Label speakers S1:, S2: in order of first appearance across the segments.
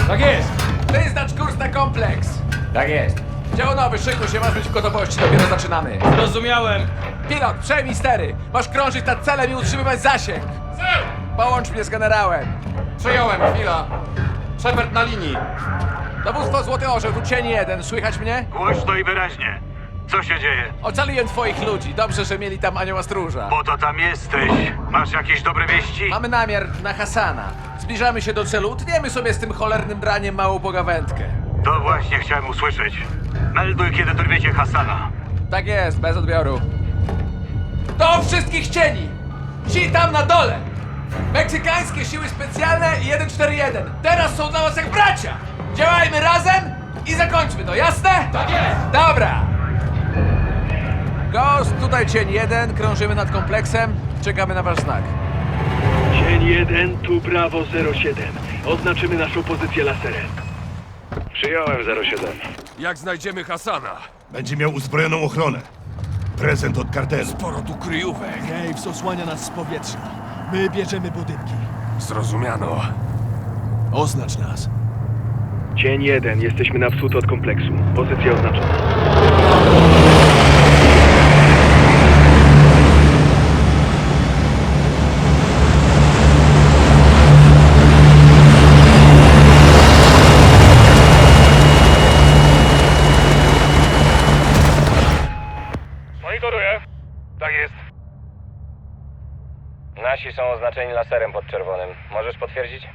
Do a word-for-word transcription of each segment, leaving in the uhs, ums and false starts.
S1: Tak jest!
S2: Wyznacz kurs na kompleks!
S1: Tak jest!
S2: Dział nowy, szykuj się, masz być w gotowości, dopiero zaczynamy.
S1: Zrozumiałem!
S2: Pilot, przejmij stery! Masz krążyć nad celem i utrzymywać zasięg! Połącz mnie z generałem!
S3: Przejąłem, chwila. Shepard na linii.
S2: Dowództwo Złoty Orzeł, tu cień jeden, słychać mnie?
S4: Głośno i wyraźnie. Co się dzieje?
S2: Ocaliłem twoich ludzi, dobrze, że mieli tam anioła stróża.
S4: Po to tam jesteś. Masz jakieś dobre wieści?
S2: Mamy namiar na Hasana. Zbliżamy się do celu, utniemy sobie z tym cholernym draniem małą pogawędkę.
S4: To właśnie chciałem usłyszeć. Melduj, kiedy dorwiecie Hasana.
S2: Tak jest, bez odbioru. Do wszystkich cieni! Ci tam na dole! Meksykańskie siły specjalne i jeden cztery jeden. Teraz są dla was jak bracia! Działajmy razem i zakończmy to, jasne?
S1: Tak jest!
S2: Dobra! Ghost, tutaj cień jeden, krążymy nad kompleksem, czekamy na wasz znak.
S5: Cień jeden, tu Bravo zero siedem. Oznaczymy naszą pozycję laserem.
S4: Przyjąłem zero siedem.
S3: Jak znajdziemy Hasana?
S6: Będzie miał uzbrojoną ochronę. Prezent od kartelu.
S3: Sporo tu kryjówek.
S7: Graves osłania nas z powietrza. My bierzemy budynki.
S3: Zrozumiano.
S7: Oznacz nas.
S5: Cień jeden, jesteśmy na wschód od kompleksu. Pozycja oznaczona.
S4: Monitoruję. Tak jest.
S8: Nasi są oznaczeni laserem pod czerwonym. Możesz potwierdzić?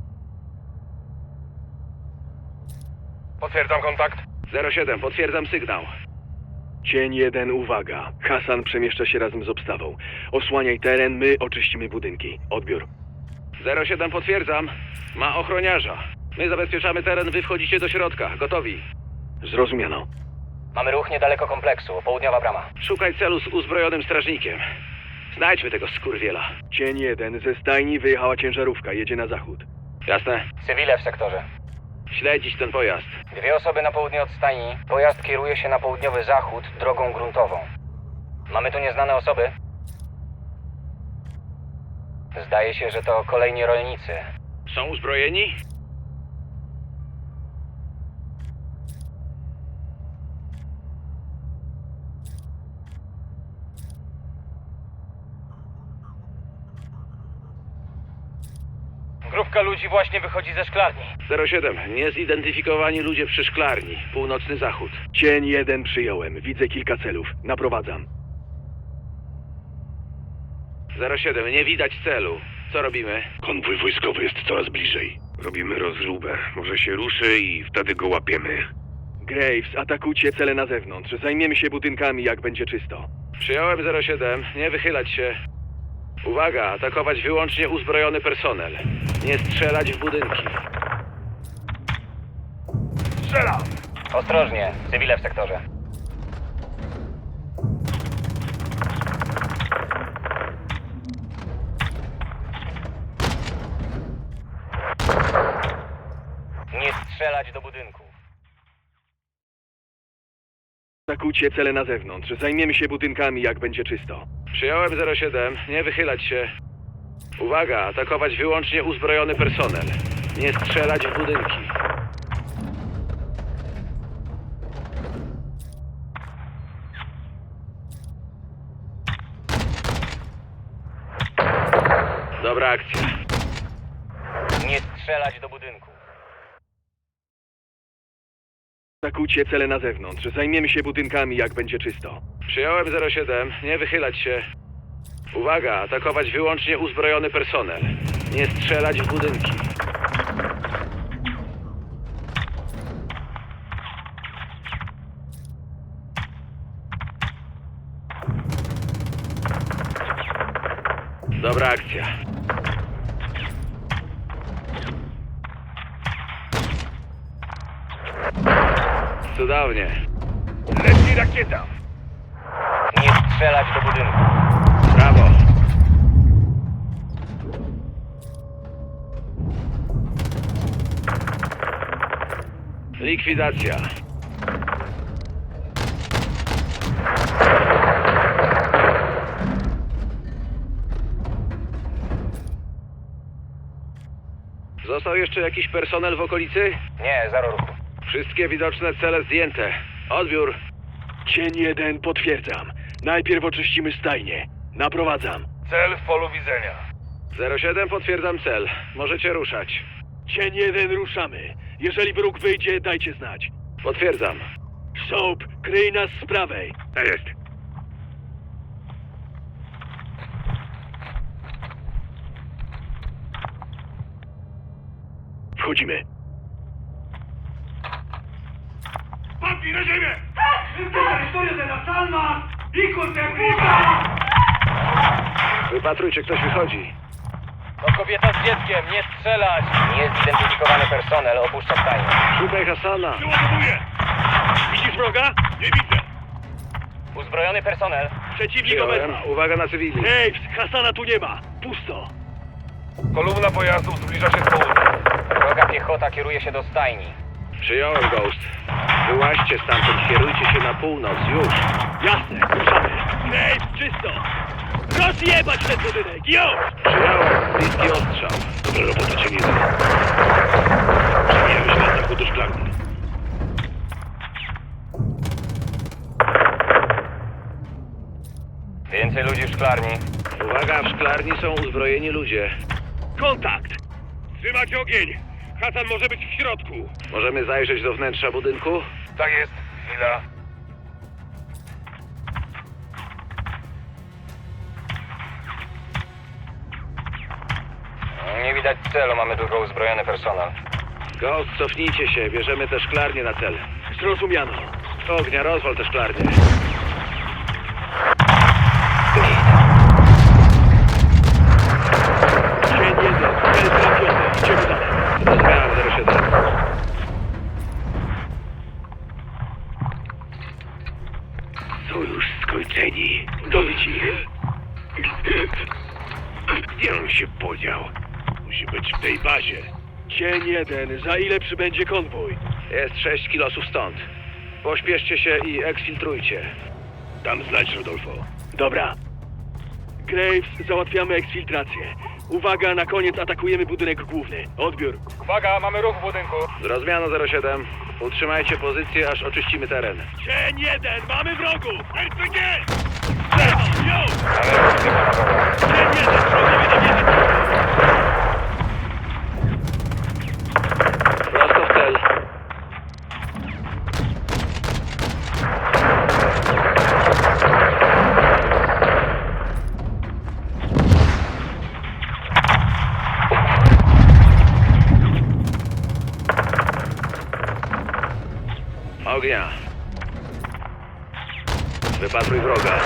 S4: Potwierdzam kontakt.
S5: zero siedem, potwierdzam sygnał. Cień jeden, uwaga. Hasan przemieszcza się razem z obstawą. Osłaniaj teren, my oczyścimy budynki. Odbiór.
S4: zero siedem, potwierdzam. Ma ochroniarza. My zabezpieczamy teren, wy wchodzicie do środka. Gotowi.
S5: Zrozumiano.
S8: Mamy ruch niedaleko kompleksu, południowa brama.
S4: Szukaj celu z uzbrojonym strażnikiem. Znajdźmy tego skurwiela.
S5: Cień jeden, ze stajni wyjechała ciężarówka, jedzie na zachód.
S4: Jasne?
S8: Cywile w sektorze.
S4: Śledzić ten pojazd.
S8: Dwie osoby na południe od stajni. Pojazd kieruje się na południowy zachód drogą gruntową. Mamy tu nieznane osoby? Zdaje się, że to kolejni rolnicy.
S4: Są uzbrojeni?
S8: Grupka ludzi właśnie wychodzi ze szklarni.
S4: zero siedem. Niezidentyfikowani ludzie przy szklarni. Północny zachód.
S5: Cień jeden, przyjąłem. Widzę kilka celów. Naprowadzam.
S4: zero siedem. Nie widać celu. Co robimy?
S6: Konwój wojskowy jest coraz bliżej. Robimy rozróbę. Może się ruszy i wtedy go łapiemy.
S5: Graves, atakujcie cele na zewnątrz. Zajmiemy się budynkami, jak będzie czysto.
S4: Przyjąłem zero siedem. Nie wychylać się. Uwaga, atakować wyłącznie uzbrojony personel. Nie strzelać w budynki. Strzelam!
S8: Ostrożnie, cywile w sektorze. Nie strzelać do budynku.
S5: Atakujcie cele na zewnątrz. Zajmiemy się budynkami, jak będzie czysto.
S4: Przyjąłem zero siedem. Nie wychylać się. Uwaga, atakować wyłącznie uzbrojony personel. Nie strzelać w budynki. Dobra akcja.
S8: Nie strzelać do budynku.
S5: Atakujcie cele na zewnątrz. Zajmiemy się budynkami, jak będzie czysto.
S4: Przyjąłem zero siedem. Nie wychylać się. Uwaga, atakować wyłącznie uzbrojony personel. Nie strzelać w budynki. Dobra akcja. Cudownie. Leci rakieta.
S8: Nie strzelać do budynku.
S4: Brawo. Likwidacja. Został Został jeszcze jakiś personel w okolicy?
S8: Nie, zero ruchu.
S4: Wszystkie widoczne cele zdjęte. Odbiór.
S5: Cień jeden, potwierdzam. Najpierw oczyścimy stajnię. Naprowadzam.
S6: Cel w polu widzenia.
S4: zero siedem, potwierdzam cel. Możecie ruszać.
S5: Cień jeden, ruszamy. Jeżeli wróg wyjdzie, dajcie znać.
S4: Potwierdzam.
S5: Soap, kryj nas z prawej.
S6: Tak jest.
S5: Wchodzimy.
S6: Padnij na ziemię!
S4: Wypatrujcie, ktoś wychodzi.
S8: To kobieta z dzieckiem, nie strzelać! Niezidentyfikowany personel opuszcza stajnię.
S4: Szukaj Hasana.
S6: Przeładowuję!
S5: Widzisz wroga?
S6: Nie widzę!
S8: Uzbrojony personel.
S5: Przeciwnik
S4: Przyjąłem.
S5: obecny.
S4: Uwaga na cywili.
S5: Graves, Hasana tu nie ma. Pusto.
S6: Kolumna pojazdów zbliża się z południa.
S8: Droga piechota kieruje się do stajni.
S4: Przyjąłem, Ghost. Wyłaźcie stamtąd, kierujcie się na północ, już.
S5: Jasne, ruszamy. Graves, czysto. Rozjebać ten budynek, już!
S4: Przyjąłem, bliski ostrzał.
S6: Dobra robota, cię nie da. Przemijamy się na zachód do szklarni.
S8: Więcej ludzi w szklarni.
S4: Uwaga, w szklarni są uzbrojeni ludzie.
S5: Kontakt.
S6: Trzymać ogień! Hasan może być w środku.
S4: Możemy zajrzeć do wnętrza budynku?
S6: Tak jest. Chwila.
S8: Nie widać celu, mamy tylko uzbrojony personel.
S4: Ghost, cofnijcie się, bierzemy te szklarnie na cel.
S5: Zrozumiano.
S4: Ognia, rozwal te szklarnie.
S5: Cień jeden, cel trafiony. Idziemy dalej.
S4: Zrozumiałem, zero siedem.
S6: Są już skończeni.
S5: Dobić ich.
S6: Gdzie on się podział? Musi być w tej bazie.
S5: Cień jeden, za ile przybędzie konwój?
S4: Jest sześć kilosów stąd. Pośpieszcie się i eksfiltrujcie.
S6: Dam znać, Rodolfo.
S5: Dobra. Graves, załatwiamy eksfiltrację. Uwaga, na koniec atakujemy budynek główny. Odbiór.
S8: Uwaga, mamy ruch w budynku.
S4: Zrozumiano, zero siedem. Utrzymajcie pozycję, aż oczyścimy teren.
S5: Cień jeden, mamy wrogów! R P G! Lewo, już!
S8: Mamy ruch tylko na dole.
S5: Cień jeden, wrogowie na wieży.
S4: Prosto w cel. Ognia. Wypatruj wroga.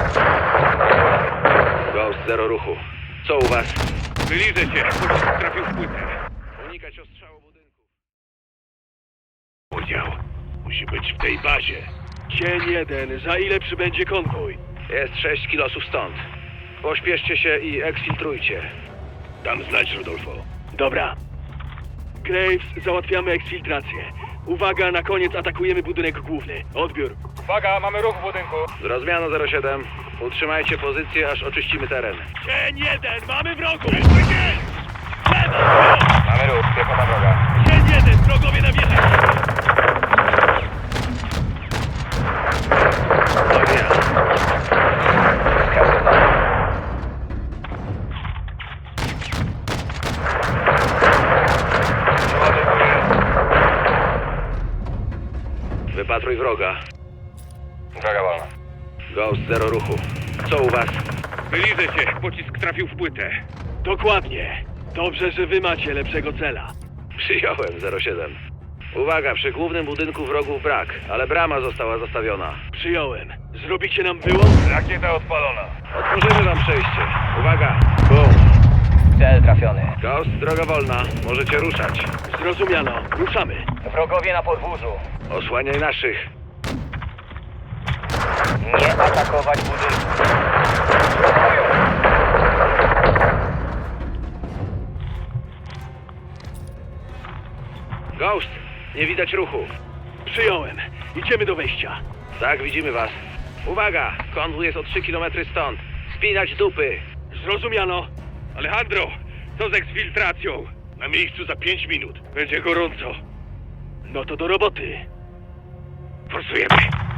S4: Ghost, zero ruchu. Co u was?
S6: Wyliżę się. Pocisk trafił w płytę.
S4: Unikać ostrzału budynku.
S6: Podział. Musi być w tej bazie.
S5: Cień jeden, za ile przybędzie konwój?
S4: Jest sześć kilosów stąd. Pośpieszcie się i eksfiltrujcie.
S6: Dam znać, Rodolfo.
S5: Dobra. Graves, załatwiamy eksfiltrację. Uwaga, na koniec atakujemy budynek główny. Odbiór.
S8: Uwaga, mamy ruch w budynku.
S4: Zrozumiano, zero siedem. Utrzymajcie pozycję, aż oczyścimy teren.
S5: Cień jeden, mamy wrogów! R P G! Lewo, już!
S8: Mamy ruch, piechota droga.
S5: Cień jeden, wrogowie na wieży.
S4: Ognia. Wypatruj wroga.
S8: Droga wolna.
S4: Ghost, zero ruchu. Co u was?
S6: Wyliżę się. Pocisk trafił w płytę.
S5: Dokładnie. Dobrze, że wy macie lepszego cela.
S4: Przyjąłem, zero siedem. Uwaga, przy głównym budynku wrogów brak, ale brama została zastawiona.
S5: Przyjąłem. Zrobicie nam wyłom?
S6: Rakieta odpalona.
S4: Otworzymy wam przejście. Uwaga! Bum!
S8: Cel trafiony.
S4: Ghost, droga wolna. Możecie ruszać.
S5: Zrozumiano. Ruszamy.
S8: Wrogowie na podwórzu.
S4: Osłaniaj naszych.
S8: Nie atakować budynku.
S4: Ghost, nie widać ruchu.
S5: Przyjąłem. Idziemy do wejścia.
S4: Tak, widzimy was. Uwaga! Konwój jest o trzy kilometry stąd. Spinać dupy.
S5: Zrozumiano.
S6: Alejandro, co z eksfiltracją? Na miejscu za pięć minut.
S5: Będzie gorąco. No to do roboty.
S6: Forsujemy.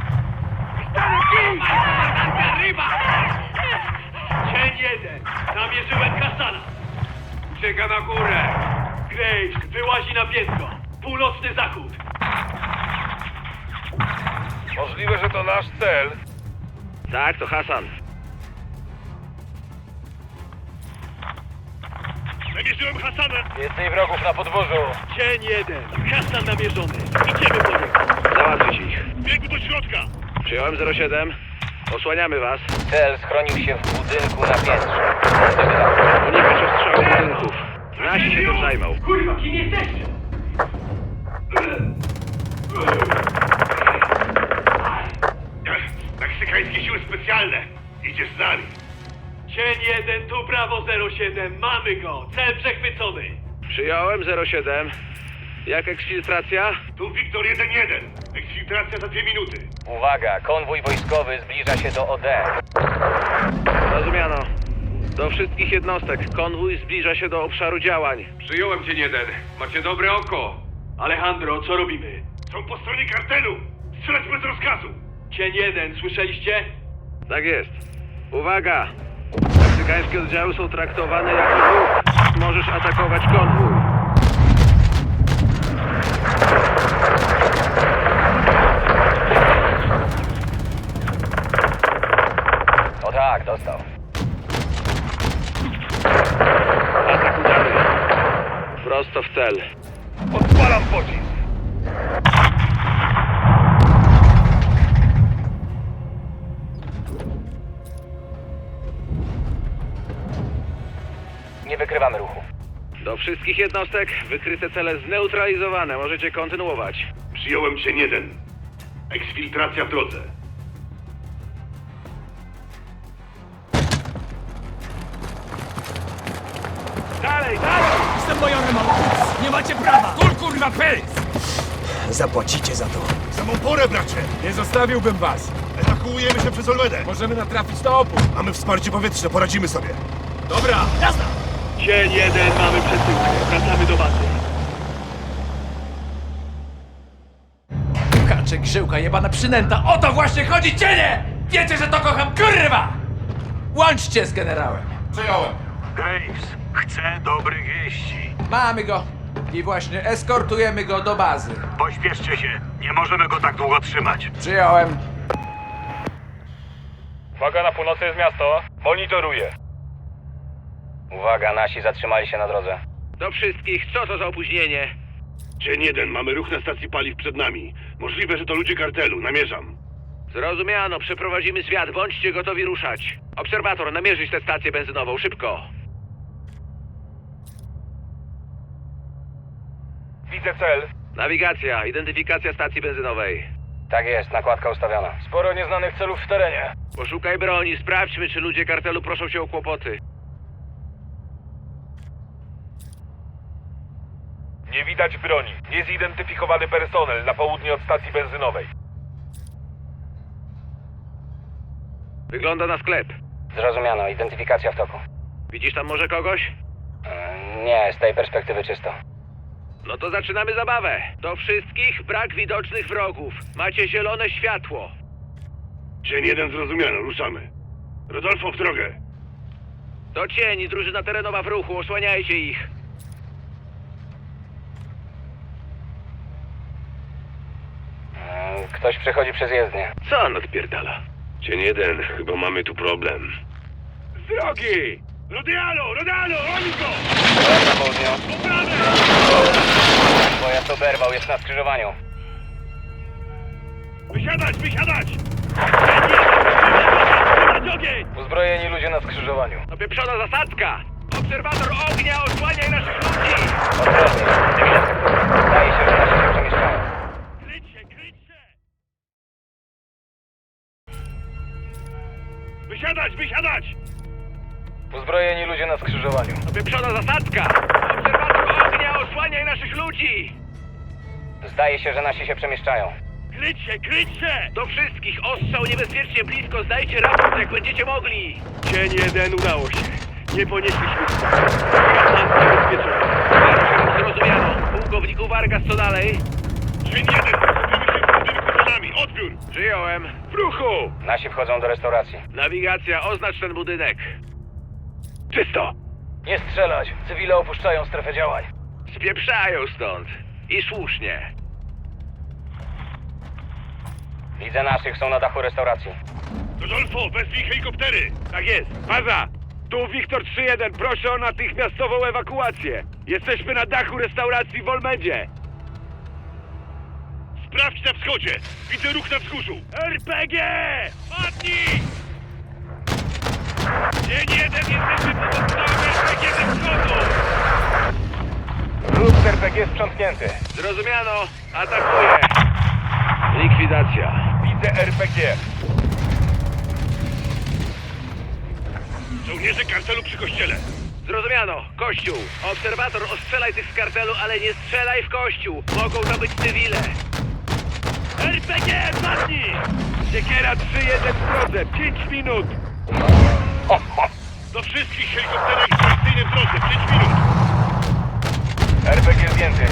S5: Cień jeden. Namierzyłem Hasana.
S6: Ucieka na górę.
S5: Graves wyłazi na piętro. Północny zachód.
S6: Możliwe, że to nasz cel.
S4: Tak, to Hasan.
S6: Namierzyłem Hasana.
S8: Więcej wrogów na podwórzu.
S5: Cień jeden. Hasan namierzony. Idziemy po niego.
S4: Załatwić ich.
S6: Biegu do środka.
S4: Przyjąłem zero siedem. Osłaniamy was.
S8: Cel schronił się w budynku na piętrze. Północnego zachodu.
S4: Unikać ostrzału budynków. Nasi się tym zajmą.
S5: Kurwa, kim jesteście?
S6: Meksykańskie siły specjalne. Idziesz z nami.
S5: Cień jeden, tu Brawo zero siedem. Mamy go. Cel przechwycony.
S4: Przyjąłem zero siedem. Jak eksfiltracja?
S6: Tu Wiktor jeden jeden. Eksfiltracja za dwie minuty.
S8: Uwaga, konwój wojskowy zbliża się do O D.
S4: Rozumiano. Do wszystkich jednostek. Konwój zbliża się do obszaru działań.
S3: Przyjąłem cię jeden. Macie dobre oko.
S5: Alejandro, co robimy?
S6: Są po stronie kartelu. Strzelać bez rozkazu.
S5: Cień jeden, słyszeliście?
S4: Tak jest. Uwaga! Meksykańskie oddziały są traktowane jako ruch. Możesz atakować konwój.
S8: O tak, dostał.
S4: Atak udany. Prosto w cel.
S6: Odpalam pocisk.
S8: Nie wykrywamy ruchu.
S4: Do wszystkich jednostek wykryte cele zneutralizowane. Możecie kontynuować.
S6: Przyjąłem cię jeden. Eksfiltracja w drodze.
S5: Dalej, dalej!
S7: Jestem majorem Małkus! Nie macie prawa!
S3: Kul kurwa pys!
S7: Zapłacicie za to.
S6: Samą porę, bracie.
S3: Nie zostawiłbym was.
S6: Ewakuujemy się przez Olmedę.
S3: Możemy natrafić na opór.
S6: Mamy wsparcie powietrzne, poradzimy sobie.
S3: Dobra.
S7: Jazda!
S5: Cień jeden, mamy przesyłkę. Wracamy do bazy.
S2: Kaczek, żyłka, jebana przynęta, o to właśnie chodzi, cienie! Wiecie, że to kocham, kurwa! Łączcie z generałem.
S3: Przyjąłem.
S6: Graves, chcę dobrych wieści.
S2: Mamy go. I właśnie eskortujemy go do bazy.
S6: Pośpieszcie się. Nie możemy go tak długo trzymać.
S2: Przyjąłem.
S3: Uwaga, na północy jest miasto. Monitoruję.
S8: Uwaga, nasi zatrzymali się na drodze.
S4: Do wszystkich, co to za opóźnienie?
S6: Dzień jeden, mamy ruch na stacji paliw przed nami. Możliwe, że to ludzie kartelu, namierzam.
S4: Zrozumiano, przeprowadzimy zwiat, bądźcie gotowi ruszać. Obserwator, namierzyć tę stację benzynową, szybko.
S3: Widzę cel.
S4: Nawigacja, identyfikacja stacji benzynowej.
S8: Tak jest, nakładka ustawiona.
S3: Sporo nieznanych celów w terenie.
S4: Poszukaj broni, sprawdźmy, czy ludzie kartelu proszą się o kłopoty.
S3: Nie widać broni. Niezidentyfikowany personel na południe od stacji benzynowej.
S4: Wygląda na sklep.
S8: Zrozumiano, identyfikacja w toku.
S4: Widzisz tam może kogoś?
S8: Yy, nie, z tej perspektywy czysto.
S4: No to zaczynamy zabawę. Do wszystkich brak widocznych wrogów. Macie zielone światło.
S6: Dzień jeden, zrozumiano, ruszamy. Rodolfo, w drogę.
S4: Do cieni, drużyna terenowa w ruchu, osłaniajcie ich.
S8: Yy, ktoś przechodzi przez jezdnię.
S6: Co on odpierdala? Dzień jeden, chyba mamy tu problem. Z drogi! Rodialo, Rodialo, oni go!
S8: Dobra, na południu.
S6: Po prawej!
S8: Pojazd oberwał, jest na skrzyżowaniu.
S6: Wysiadać, wysiadać!
S5: Trzymać ogień!
S8: Uzbrojeni ludzie na skrzyżowaniu.
S4: Opieprzona zasadzka! Obserwator ognia, osłaniaj naszych ludzi!
S8: Odwrotnie. Zdaje się, że nasi się przemieszczają.
S6: Kryć się, kryć się! Wysiadać, wysiadać!
S8: Uzbrojeni ludzie na skrzyżowaniu.
S4: Opieprzona zasadzka! Obserwator ognia, osłaniaj naszych ludzi!
S8: Zdaje się, że nasi się przemieszczają.
S6: Kryć się, kryć się!
S4: Do wszystkich, ostrzał niebezpiecznie blisko, zdajcie raport, jak będziecie mogli!
S5: Cień jeden, udało się. Nie ponieśliśmy. Hasan zabezpieczony.
S4: Martwy Zrozumiano. Pułkowniku Vargas, co dalej?
S6: Cień jeden, skupimy się w budynku za nami. Odbiór!
S4: Przyjąłem.
S6: W ruchu!
S8: Nasi wchodzą do restauracji.
S4: Nawigacja, oznacz ten budynek.
S5: Czysto!
S8: Nie strzelać! Cywile opuszczają strefę działań.
S4: Spieprzają stąd. I słusznie.
S8: Widzę naszych, są na dachu restauracji.
S6: Rodolfo, wezwij helikoptery!
S5: Tak jest. Baza! Tu Wiktor trzy jeden, proszę o natychmiastową ewakuację. Jesteśmy na dachu restauracji w Olmedzie.
S6: Sprawdź na wschodzie! Widzę ruch na wzgórzu!
S5: R P G!
S6: Padnij! Dzień jeden, jesteśmy pod ostrzałem R P G ze wschodu!
S8: Ruch z R P G sprzątnięty.
S4: Zrozumiano. Atakuję. Likwidacja.
S6: Widzę R P G. Żołnierze kartelu przy kościele.
S4: Zrozumiano. Kościół. Obserwator, ostrzelaj tych z kartelu, ale nie strzelaj w kościół. Mogą to być cywile.
S5: R P G, padnij! Siekiera trzy jeden w drodze, pięć minut!
S6: Do wszystkich helikopterek w akcyjnym drodze, pięć minut!
S8: R P G zdjęty.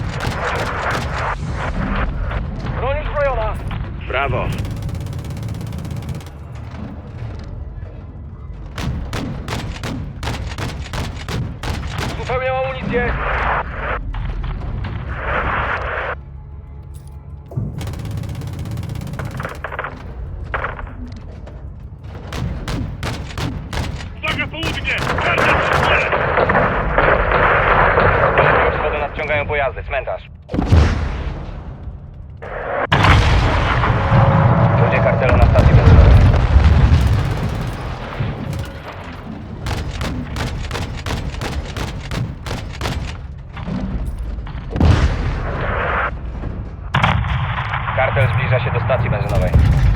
S8: Broń uzbrojona.
S4: Brawo.
S8: Uzupełniam amunicję.
S6: Uwaga, południe! Kartel przy kościele!
S8: Od wschodu nadciągają pojazdy. Cmentarz. Ludzie kartelu na stacji benzynowej. Kartel zbliża się do stacji benzynowej.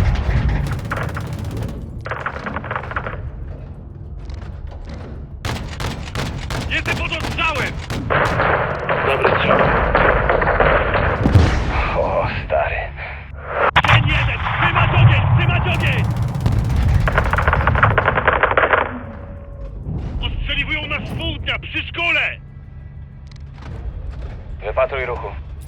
S6: Jestem pod ostrzałem!
S4: Dobry strzał.
S8: O, stary.
S6: Dzień jeden! Trzymać ogień! Trzymać ogień! Ostrzeliwują nas z południa, przy szkole!
S8: Wypatruj ruchu.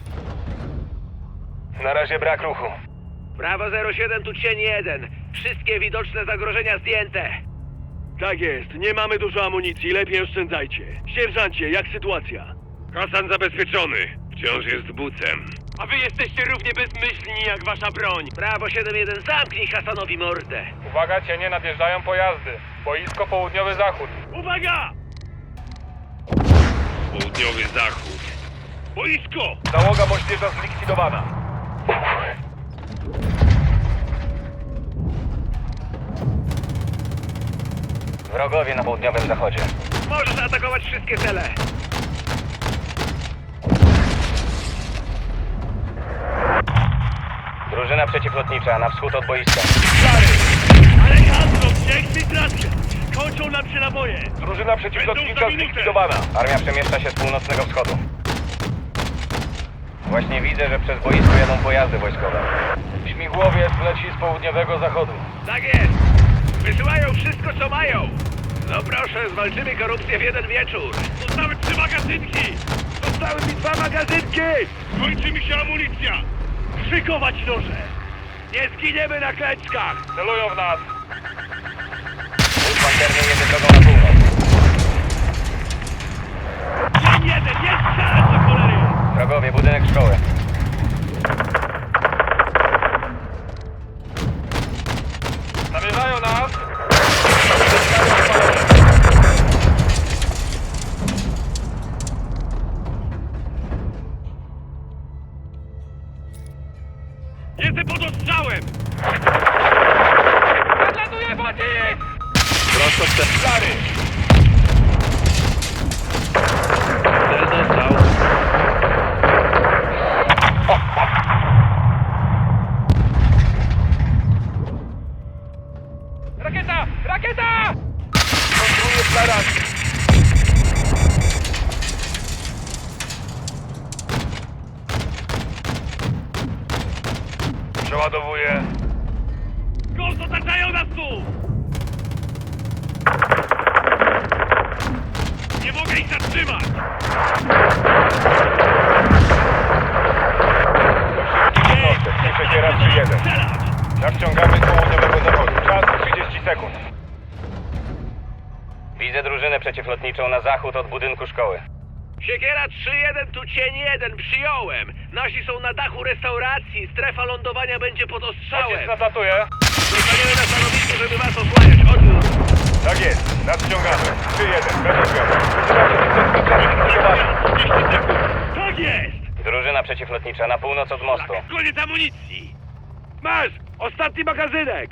S8: Na razie brak ruchu.
S4: Brawo zero siedem, tu cień jeden. Wszystkie widoczne zagrożenia zdjęte.
S5: Tak jest, nie mamy dużo amunicji, lepiej oszczędzajcie. Sierżancie, jak sytuacja?
S6: Hasan zabezpieczony. Wciąż jest bucem.
S5: A wy jesteście równie bezmyślni jak wasza broń.
S4: Brawo siedem jeden, zamknij Hasanowi mordę.
S3: Uwaga, cienie, nadjeżdżają pojazdy. Boisko południowy zachód.
S6: Uwaga! Południowy zachód. Boisko!
S3: Załoga moździerza zlikwidowana.
S8: Wrogowie na południowym zachodzie.
S4: Możesz atakować wszystkie cele.
S8: Drużyna przeciwlotnicza na wschód od boiska.
S6: Alejandro, piękny trasie! Kończą nam się naboje!
S3: Drużyna przeciwlotnicza zlikwidowana.
S8: Armia przemieszcza się z północnego wschodu. Właśnie widzę, że przez boisko jadą pojazdy wojskowe. Śmigłowiec leci z południowego zachodu.
S4: Tak jest. Wysyłają wszystko, co mają. No proszę, zwalczymy korupcję w jeden wieczór.
S6: Zostały trzy magazynki!
S5: Zostały mi dwa magazynki!
S6: Kończy mi się amunicja! Szykować noże!
S5: Nie zginiemy na klęczkach!
S3: Celują w nas.
S8: Wóz pancerny jedzie drogą na północ.
S6: Dzień jeden, nie strzelać do cholery!
S8: Wrogowie, budynek szkoły.
S3: Zamierzają nas.
S6: Jestem pod ostrzałem!
S3: Nadlatuje pocisk!
S4: Prosto w ten
S3: Stary!
S4: cel dostał.
S3: Rakieta! Rakieta! Konstruuję flarami. Przeładowuję.
S6: Ghost, otaczają nas tu! Nie mogę ich zatrzymać!
S3: Siekiera trzy jeden. Nadciągamy z południowego zachodu. Czas trzydzieści sekund.
S8: Widzę drużynę przeciwlotniczą na zachód od budynku szkoły.
S4: Siekiera trzy jeden, tu cień jeden, przyjąłem. Nasi są na dachu restauracji, strefa lądowania będzie pod ostrzałem.
S3: Pocisk nadlatuje.
S4: Zostaniemy na stanowisku, żeby was osłaniać. Odbiór.
S3: Tak jest. Nadciągamy. trzy jeden. Bez odbioru.
S6: Tak jest!
S8: Drużyna przeciwlotnicza na północ od mostu.
S6: Koniec amunicji!
S4: Masz! Ostatni magazynek!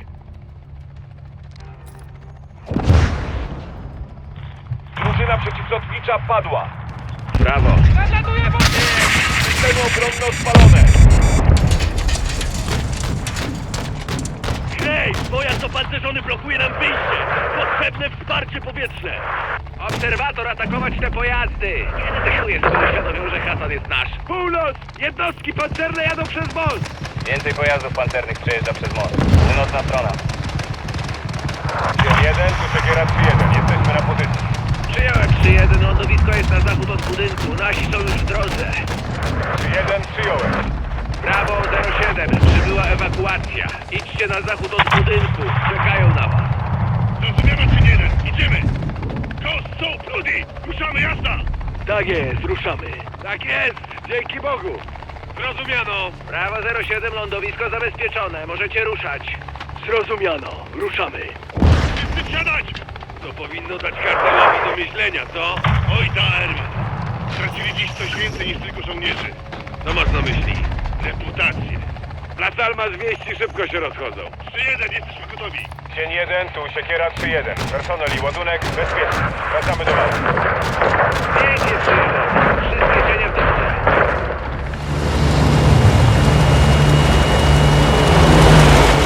S3: Drużyna przeciwlotnicza padła.
S4: Brawo.
S3: Systemy obronne odpalone.
S6: Hej! Pojazd opancerzony blokuje nam wyjście! Potrzebne wsparcie powietrzne!
S4: Obserwator, atakować te pojazdy! Kiedy te chuje sobie uświadomią, że Hasan jest nasz?
S6: Północ! Jednostki pancerne jadą przez most!
S8: Więcej pojazdów pancernych przejeżdża przez most. Północna strona.
S3: Dzień jeden, tu Siekiera trzy jeden. Jesteśmy na pozycji.
S4: Przyjąłem trzy jeden, lądowisko jest na zachód od budynku. Nasi są już w drodze.
S3: trzy jeden, przyjąłem.
S4: Brawo zero siedem, przybyła ewakuacja. Idźcie na zachód od budynku. Czekają na was.
S6: Zrozumiano trzy jeden! Idziemy! Ghost, Soap, Rudy! Ruszamy, jazda!
S5: Tak jest, ruszamy.
S4: Tak jest! Dzięki Bogu!
S6: Zrozumiano!
S4: Brawo zero siedem, lądowisko zabezpieczone. Możecie ruszać.
S5: Zrozumiano, ruszamy.
S6: Wszyscy wsiadać! To powinno dać kartelowi do myślenia, co? Oj, ta Herman! Stracili dziś coś więcej niż tylko żołnierzy. Co masz na myśli? Reputację. Las Almas wieści szybko się rozchodzą. trzy jeden, jesteśmy gotowi.
S3: Dzień jeden, tu Siekiera trzy jeden. Personel i ładunek bezpieczny. Wracamy do was.
S4: Pięknie trzy jeden. Wszystkie cienie w